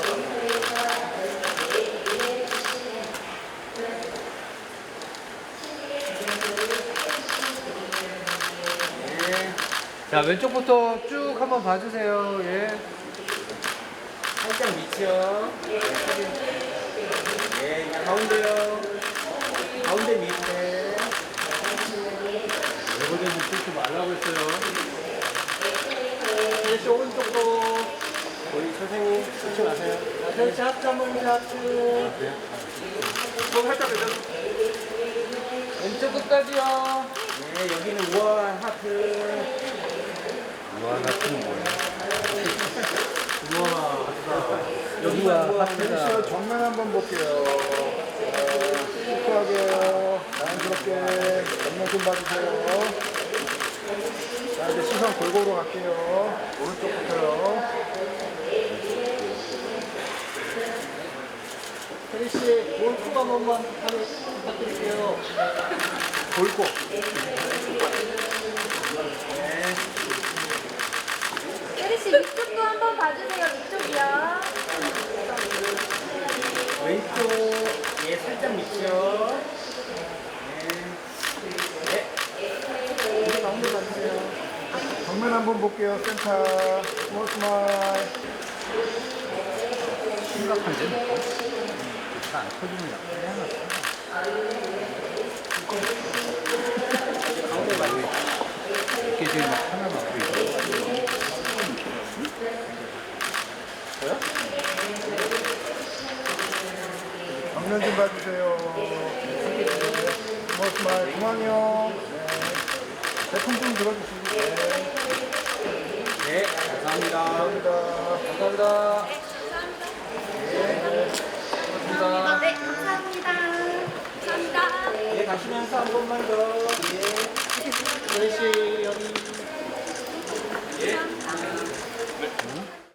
자, 왼쪽부터 쭉 한번 봐주세요. 예. 살짝 밑이요. 예, 그냥 가운데요. 가운데 밑에. 이거는 뚫지 말라고 했어요. 다시 오른쪽도. 우리 선생님, 뚫지 마세요. 자, 펼치 하트 한 번만 하트. 손 살짝 내려. 왼쪽 끝까지요. 네, 여기는 우아한 하트. 우와, 같은 뭐야? 여기가 우아한 하트다. 하트. 정면 한번 볼게요. 시크하게요. 자연스럽게 정면 좀 봐주세요. 자, 이제 시선 골고루 갈게요. 오른쪽부터요. 혜리 씨, 볼콕 한 번만 부탁드릴게요. 골고. 혜리씨 위쪽도 한번 봐주세요. 위쪽이요. 왼쪽, 예, 살짝 밑이요. 네. 네. 가운데 봐주세요. 정면 한번 볼게요. 센터. 스몰 스마일. 심각한데, 놓고? 안 터지면 약간 가운데 봐주세요. 이렇게 지금 막 하나 맞고 있어. 저요? 정면 좀 봐주세요. 스몰 스마일. 그만요. 네. 제품 좀 들어주시고. 네. 네, 감사합니다. 감사합니다. 감사합니다. 감사합니다. 네, 감사합니다. 감사합니다. 예, 가시면서 한 번만 더. 예. 혜리 씨, 여기.